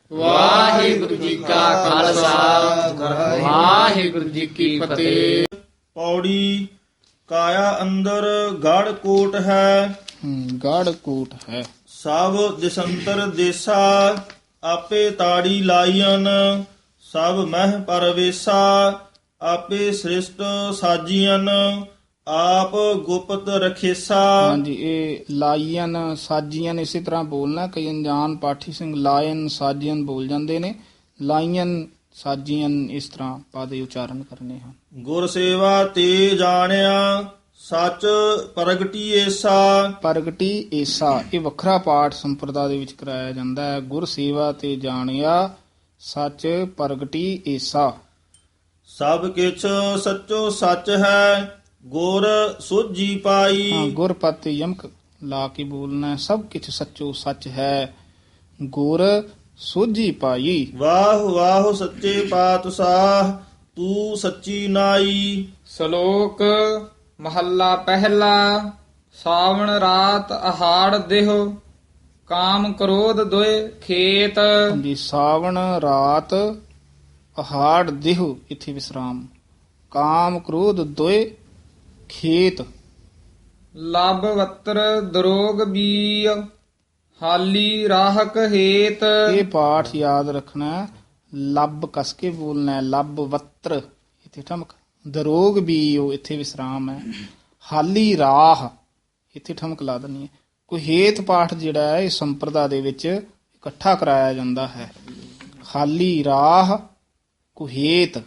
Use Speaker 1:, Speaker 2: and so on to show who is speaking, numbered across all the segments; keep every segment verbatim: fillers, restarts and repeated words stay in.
Speaker 1: ਵਾਹਿਗੁਰੂ ਜੀ ਕਾ ਖਾਲਸਾ ਵਾਹਿਗੁਰੂ ਜੀ ਕੀ ਫਤਿਹ।
Speaker 2: ਪੌੜੀ ਕਾਇਆ ਅੰਦਰ ਗੜ ਕੋਟ ਹੈ,
Speaker 3: ਗੜ ਕੋਟ ਹੈ।
Speaker 2: ਸਭ ਦਿਸੰਤਰ ਦੇਸਾ ਆਪੇ ਤਾੜੀ ਲਾਈਨ, ਸਭ ਮਹਿ ਪਰਵੇਸਾ ਆਪੇ ਸ੍ਰਿਸ਼ਟ ਸਾਜੀਆਂ, ਆਪ ਗੁਪਤ ਰਖੇਸਾ।
Speaker 3: ਹਾਂਜੀ, ਇਹ ਲਾਈਨ ਸਾਜੀਆਂ ਇਸੇ ਤਰ੍ਹਾਂ ਬੋਲਣਾ। ਕਈ ਅਣਜਾਣ ਪਾਠੀ ਸਿੰਘ ਲਾਇਨ ਸਾਜੀਆਂ ਬੋਲ ਜਾਂਦੇ ਨੇ, ਲਾਈਨ ਸਾਜੀਆਂ ਇਸ ਤਰ੍ਹਾਂ ਪਾਦੇ ਉਚਾਰਨ ਕਰਨੇ ਹਨ।
Speaker 2: ਗੁਰ ਸੇਵਾ ਤੇ ਜਾਣਿਆ ਸੱਚ ਪ੍ਰਗਟੀ ਏਸਾ।
Speaker 3: ਪ੍ਰਗਟੀ ਏਸਾ ਇਹ ਵੱਖਰਾ ਪਾਠ ਸੰਪਰਦਾ ਦੇ ਵਿੱਚ ਕਰਾਇਆ ਜਾਂਦਾ ਹੈ। ਗੁਰ ਸੇਵਾ ਤੇ ਜਾਣਿਆ ਸੱਚ ਪ੍ਰਗਟੀ ਏਸਾ।
Speaker 2: ਸਭ ਕਿਛ ਸੱਚੋ ਸੱਚ ਹੈ, ਗੁਰ ਸੋਝੀ ਪਾਈ।
Speaker 3: ਹਾਂ, ਗੁਰ ਪਤ ਯਮਕ ਲਾ ਕੇ ਬੋਲਣਾ ਹੈ। ਸਭ ਕੁਛ ਸੱਚੋ ਸੱਚ ਹੈ, ਗੁਰ ਸੋਝੀ ਪਾਈ।
Speaker 2: ਵਾਹ ਵਾਹ ਸੱਚੇ ਪਾਤਸ਼ਾਹ ਤੂੰ ਸੱਚੀ ਨਾਈ।
Speaker 1: ਸ਼ਲੋਕ ਮਹੱਲਾ ਪਹਿਲਾ। ਸਾਵਣ ਰਾਤ ਅਹਾੜ ਦੇਹ, ਕਾਮ ਕ੍ਰੋਧ ਦੁਇ ਖੇਤ।
Speaker 3: ਹਾਂਜੀ, ਸਾਵਣ ਰਾਤ ਅਹਾੜ ਦੇਹ ਇਥੇ ਵਿਸਰਾਮ। ਕਾਮ ਕ੍ਰੋਧ ਦੋਏ ਖੇਤ।
Speaker 1: ਲਬ ਵਤਰ ਦਰੋਗ ਬੀ, ਹਾਲੀ ਰਾਹਕ ਹੇਤ।
Speaker 3: ਇਹ ਪਾਠ ਯਾਦ ਰੱਖਣਾ ਹੈ। ਲੱਭ ਕਸ ਕੇ ਬੋਲਣਾ ਹੈ। ਲੱਭ ਵੱਤਰ ਇਥੇ ਠਮਕ। ਦਰੋਗ ਵੀ ਉਹ ਇਥੇ ਵਿਸਰਾਮ ਹੈ। ਹਾਲੀ ਰਾਹ ਇਥੇ ਠਮਕ ਲਾ ਦੇਣੀ ਹੈ। ਕੁਹੇਤ ਪਾਠ ਜਿਹੜਾ ਹੈ ਇਹ ਸੰਪਰਦਾ ਦੇ ਵਿੱਚ ਇਕੱਠਾ ਕਰਾਇਆ ਜਾਂਦਾ ਹੈ। ਹਾਲੀ ਰਾਹ ਕੁਹੇਤ।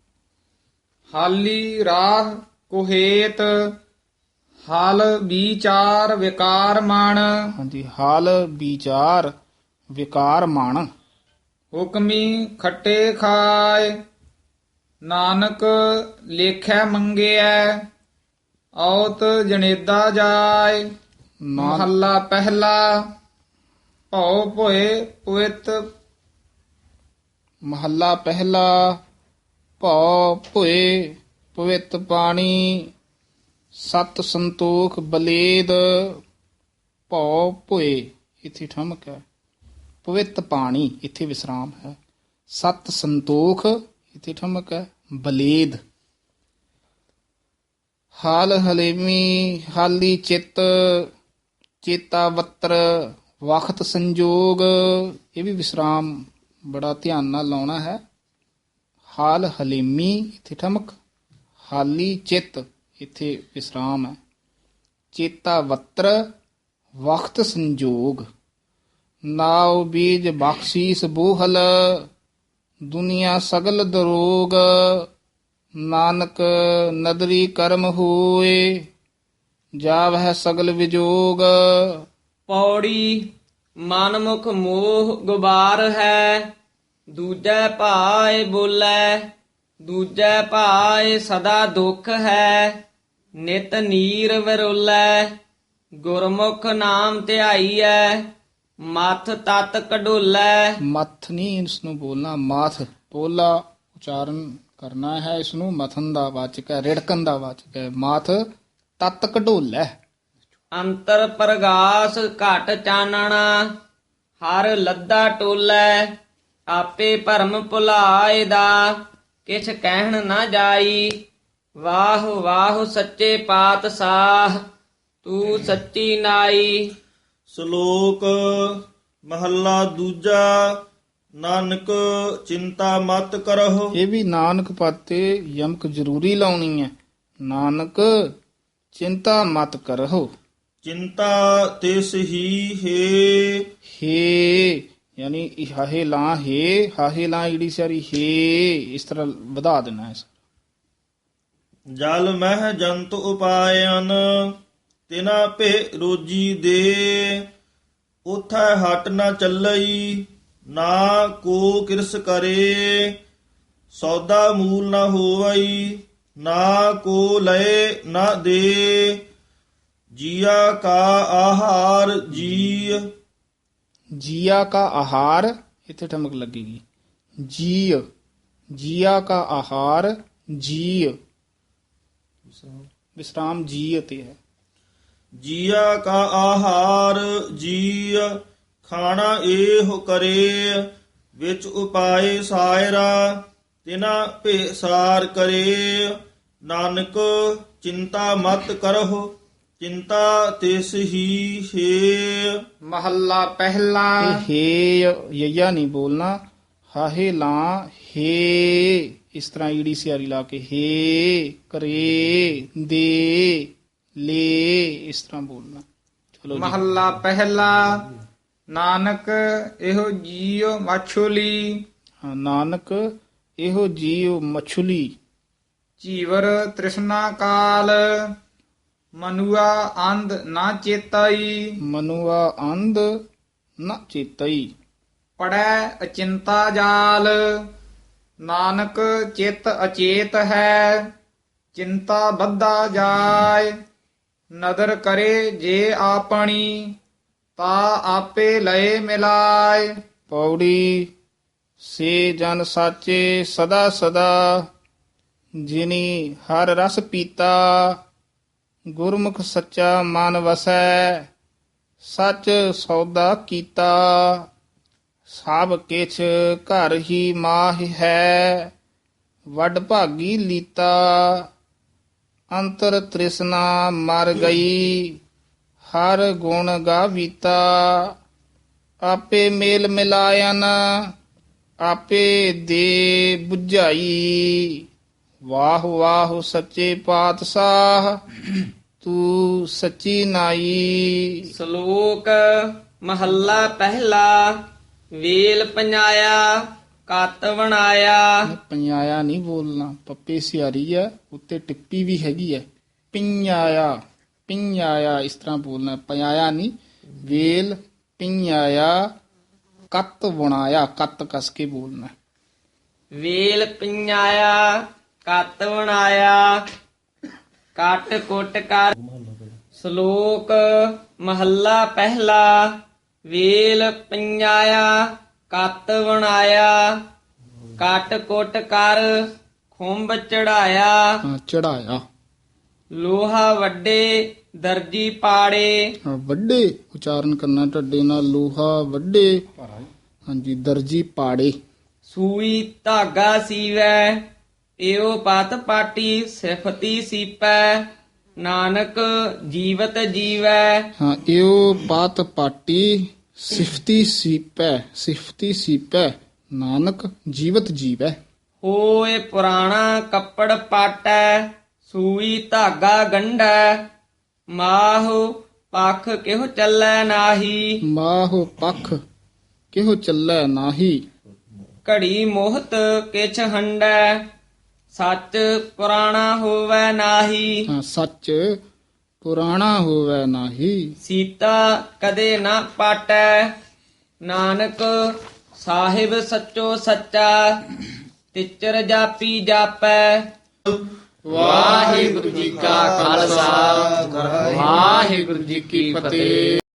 Speaker 1: ਹਾਲੀ ਰਾਹ ਕੁਹੇਤ, ਹਲ ਵਿਚਾਰ ਵਿਕਾਰ ਮਨ।
Speaker 3: ਹਾਂਜੀ, ਹਾਲ ਵਿਚਾਰ ਵਿਕਾਰ ਮਨ।
Speaker 1: ਹੁਕਮੀ ਖੱਟੇ ਖਾਏ, ਨਾਨਕ ਲੇਖੈ ਮੰਗਿਆ। ਔਤ ਜਨੇਦਾ ਜਾਏ। ਮਹੱਲਾ ਪਹਿਲਾ। ਭਉ ਭੋਏ ਪਵਿੱਤ।
Speaker 3: ਮਹੱਲਾ ਪਹਿਲਾ। ਭਉ ਭੋਏ ਪਵਿੱਤ ਪਾਣੀ, ਸਤ ਸੰਤੋਖ ਬਲੇਦ। ਭਉ ਭੋਏ ਇਥੇ ਠਮਕ ਹੈ। ਪਵਿੱਤ ਪਾਣੀ ਇਥੇ ਵਿਸਰਾਮ ਹੈ। ਸਤ ਸੰਤੋਖ ਇਥੇ ਠਮਕ ਹੈ। ਬਲੇਦ। ਹਾਲ ਹਲੇਮੀ ਹਾਲੀ ਚਿੱਤ, ਚੇਤਾ ਵੱਤਰ ਵਖਤ ਸੰਜੋਗ। ਇਹ ਵੀ ਵਿਸਰਾਮ ਬੜਾ ਧਿਆਨ ਨਾਲ ਲਾਉਣਾ ਹੈ। ਹਾਲ ਹਲੀਮੀ ਇਥੇ ਠਮਕ। ਹਾਲੀ ਚਿੱਤ ਇਥੇ ਵਿਸਰਾਮ ਹੈ। ਚੇਤਾ ਵੱਤਰ ਵਖਤ ਸੰਜੋਗ। ਨਾਉ ਬੀਜ ਬਖਸ਼ੀਸ ਬੋਹਲ, ਦੁਨੀਆ ਸਗਲ ਦਰੋਗ। ਨਾਨਕ ਨਦਰੀ ਕਰਮ ਹੋਏ, ਜਾਵਹਿ ਸਗਲ ਵਿਜੋਗ।
Speaker 4: ਪੌੜੀ ਮਨ ਮੁਖ ਮੋਹ ਗੁਬਾਰ ਹੈ, ਦੂਜੈ ਭਾਏ ਬੋਲੇ। ਦੂਜੈ ਭਾਏ ਸਦਾ ਦੁਖ ਹੈ, ਨਿਤ ਨੀਰ ਵਿਰੋਲੇ। ਗੁਰਮੁਖ ਨਾਮ ਧਿਆਈਐ, ਮਥ ਤਤ ਕਢੋਲੇ।
Speaker 3: ਮੱਥ ਨਹੀਂ ਇਸ ਨੂੰ ਬੋਲਣਾ, ਮਾਥ ਪੋਲਾ ਉਚਾਰਨ ਕਰਨਾ ਹੈ। ਇਸ ਨੂੰ ਮਥਨ ਦਾ ਵਾਚਕ ਹੈ, ਰਿੜਕਣ ਦਾ ਵਾਚਕ ਹੈ। ਮਾਥ ਤਤ ਕਢੋਲੇ।
Speaker 4: ਅੰਤਰ ਪ੍ਰਗਾਸ ਘਟ ਚਾਨਣਾ, ਹਰ ਲੱਦਾ ਟੋਲੇ। ਆਪੇ ਭਰਮ ਭੁਲਾਏ ਦਾ, ਕਿਛ ਕਹਿਣ ਨਾ ਜਾਈ। ਵਾਹ ਵਾਹ ਸੱਚੇ ਪਾਤਸ਼ਾਹ ਤੂੰ ਸੱਚੀ ਨਾਈ।
Speaker 2: ਸ਼ਲੋਕ ਮਹੱਲਾ ਦੂਜਾ। ਨਾਨਕ ਚਿੰਤਾ ਮਤ ਕਰਹੁ।
Speaker 3: ਇਹ ਵੀ ਨਾਨਕ ਪਾਤੇ ਯਮਕ ਜ਼ਰੂਰੀ ਲਾਉਣੀ ਹੈ। ਨਾਨਕ ਚਿੰਤਾ ਮਤ ਕਰਹੁ।
Speaker 2: ਚਿੰਤਾ ਤਿਸ ਹੀ ਹੈ।
Speaker 3: ਹੇ ਯਾਨੀ ਇਹ ਹਾਹੇ ਲਾ ਹੇ, ਹਾਹੇ ਲਾ ਈੜੀ ਸਾਰੀ ਹੇ, ਇਸ ਤਰ੍ਹਾਂ ਵਧਾ ਦੇਣਾ ਹੈ।
Speaker 2: ਜਲ ਮਹਿ ਜੰਤ ਉਪਾਇਨ, ਤਿਨਾ ਭੇ ਰੋਜੀ ਦੇ। ਉਥੈ ਹਟ ਨਾ ਚੱਲਈ, ਨਾ ਕੋ ਕਿਰਸ ਕਰੇ। ਸੌਦਾ ਮੂਲ ਨਾ ਹੋਵਈ, ਨਾ ਕੋ ਲਏ ਨਾ ਦੇ। ਜੀਆ ਕਾ ਆਹਾਰ ਜੀ।
Speaker 3: ਜੀਆ ਕਾ ਆਹਾਰ ਇੱਥੇ ਠਮਕ ਲੱਗੇਗੀ। ਜੀ ਜੀਆ ਕਾ ਆਹਾਰ ਜੀ ਵਿਸਰਾਮ ਜੀ ਅਤੇ ਹੈ।
Speaker 2: ਜੀਆ ਕਾ ਆਹਾਰ ਜੀ, ਖਾਣਾ ਏਹ ਕਰੇ। ਵਿੱਚ ਉਪਾਏ ਸਾਇਰਾ ਤਿਨਾ ਭੇਸਾਰ ਕਰੇ ਨਾਨਕ ਚਿੰਤਾ ਮਤ ਕਰਹੁ ਚਿੰਤਾ ਤਿਸ ਹੀ ਹੈ।
Speaker 1: ਮਹੱਲਾ ਪਹਿਲਾ
Speaker 3: ਇਹ ਹੇ ਯਯਾ ਨਹੀਂ ਬੋਲਣਾ, ਹਾਹੇ ਲਾਂ ਹੇ, ਇਸ ਤਰ੍ਹਾਂ ਈੜੀ ਸਿਆਰੀ ਲਾ ਕੇ ਹੇ ਕਰੇ ਦੇ ਲੈ, ਇਸ ਤਰ੍ਹਾਂ ਬੋਲਣਾ। ਚਲੋ ਜੀ।
Speaker 1: ਮਹੱਲਾ ਪਹਿਲਾ ਨਾਨਕ ਇਹੋ ਜੀਉ ਮਛੁਲੀ
Speaker 3: ਹਾਂ, ਨਾਨਕ ਇਹੋ ਜੀਉ ਮਛਲੀ
Speaker 1: ਜੀਵਰ ਤ੍ਰਿਸ਼ਨਾ ਕਾਲ ਮਨੁਆ ਅੰਧ ਨਾ ਚੇਤਾਈ
Speaker 3: ਮਨੁਆ ਅੰਧ ਨ ਚੇਤਈ
Speaker 1: ਪੜੈ ਅਚਿੰਤਾ ਜਾਲ ਨਾਨਕ ਚਿਤ ਅਚੇਤ ਹੈ ਚਿੰਤਾ ਬੱਧਾ ਜਾਏ ਨਦਰ ਕਰੇ ਜੇ ਆਪਣੀ ਤਾ ਆਪੇ ਲਏ ਮਿਲਾਏ।
Speaker 3: ਪੌੜੀ ਸੇ ਜਨ ਸਾਚੇ ਸਦਾ ਸਦਾ ਜਿਨੀ ਹਰ ਰਸ ਪੀਤਾ ਗੁਰਮੁਖ ਸੱਚਾ ਮਨ ਵਸੈ ਸੱਚ ਸੌਦਾ ਕੀਤਾ ਸਭ ਕਿਛ ਘਰ ਹੀ ਮਾਹ ਹੈ ਵੱਡ ਭਾਗੀ ਲੀਤਾ ਅੰਤਰ ਤ੍ਰਿਸ਼ਨਾ ਮਰ ਗਈ ਹਰ ਗੁਣ ਗਾਵੀਤਾ ਆਪੇ ਮੇਲ ਮਿਲਾਇਨ ਆਪੇ ਦੇ 부ਝਾਈ ਵਾਹ ਵਾਹ ਸੱਚੇ ਪਾਤਸ਼ਾਹ ਤੂੰ ਸੱਚੀ ਨਾਈ।
Speaker 4: ਸ਼ਲੋਕ ਮਹੱਲਾ ਪਹਿਲਾ ਵੇਲ ਪਨਾਇਆ ਕਤ ਬਣਾਇਆ।
Speaker 3: ਪੰਜਾਇਆ ਨਹੀਂ ਬੋਲਣਾ, ਪੱਪੇ ਸਿਆਰੀ ਆ, ਉੱਤੇ ਟਿੱਪੀ ਵੀ ਹੈਗੀ ਹੈ। ਪਿੰਆਇਆ ਪਿੰਆਇਆ ਇਸ ਤਰ੍ਹਾਂ ਬੋਲਣਾ, ਪੰਜਾਇਆ ਨਹੀਂ। ਵੇਲ ਪਿੰਆਇਆ ਕੱਤ ਬਣਾਇਆ, ਕੱਤ ਕਸ ਕੇ ਬੋਲਣਾ।
Speaker 4: ਵੇਲ ਪਨਾਇਆ ਕਤ ਬਣਾਇਆ ਕਟ ਕੁੱਟ ਕਰ। ਸ਼ਲੋਕ ਮਹੱਲਾ ਪਹਿਲਾ ਵੇਲ ਪਨਾਇਆ ਕਤ ਬਣਾਇਆ ਕਟ ਕੁੱਟ ਕਰ ਖੁੰਭ ਚੜਾਇਆ।
Speaker 3: ਹਾਂ, ਚੜਾਇਆ।
Speaker 4: ਲੋਹਾ ਵੱਡੇ ਦਰਜੀ ਪਾੜੇ।
Speaker 3: ਹਾਂ, ਵੱਡੇ ਉਚਾਰਨ ਕਰਨਾ ਢੱਡੇ ਨਾਲ, ਲੋਹਾ ਵੱਡੇ। ਹਾਂਜੀ, ਦਰਜੀ ਪਾੜੇ।
Speaker 4: ਸੂਈ ਧਾਗਾ ਸੀਵੈ ਏਉ ਪਤ ਪਾਟੀ ਸਿਫਤੀ ਸੀਪੈ ਨਾਨਕ ਜੀਵਤ ਜੀਵੈ।
Speaker 3: ਹਾਂ, ਇਹੋ ਪਾਤ ਪਾਟੀ ਸਿਫਤੀ ਸੀਪੈ ਸਿਫਤੀ ਸੀਪੈ ਨਾਨਕ ਜੀਵਤ ਜੀਵੈ।
Speaker 4: ਹੋਏ ਪੁਰਾਣਾ ਕੱਪੜ ਪਾਟੈ ਸੂਈ ਧਾਗਾ ਗੰਢੈ ਮਾਹੁ ਪਖ ਕਿਹੁ ਚੱਲੈ ਨਾਹੀ।
Speaker 3: ਮਾਹੁ ਪਖ ਕਿਹੋ ਚੱਲੈ ਨਾਹੀ।
Speaker 4: ਘੜੀ ਮੋਹਤ ਕਿਛ ਹੰਡੈ ਸੱਚ ਪੁਰਾਣਾ ਹੋਵੈ ਨਾਹੀ।
Speaker 3: ਹਾਂ, ਸੱਚ ਪੁਰਾਣਾ ਹੋਵੈ ਨਾਹੀ।
Speaker 4: ਸੀਤਾ ਕਦੇ ਨਾ ਪਾਟੈ ਨਾਨਕ ਸਾਹਿਬ ਸੱਚੋ ਸੱਚਾ ਤਿਚਰ ਜਾਪੀ ਜਾਪੈ।
Speaker 1: ਵਾਹਿਗੁਰੂ ਜੀ ਕਾ ਖਾਲਸਾ ਵਾਹਿਗੁਰੂ ਜੀ ਕੀ ਫਤਿਹ।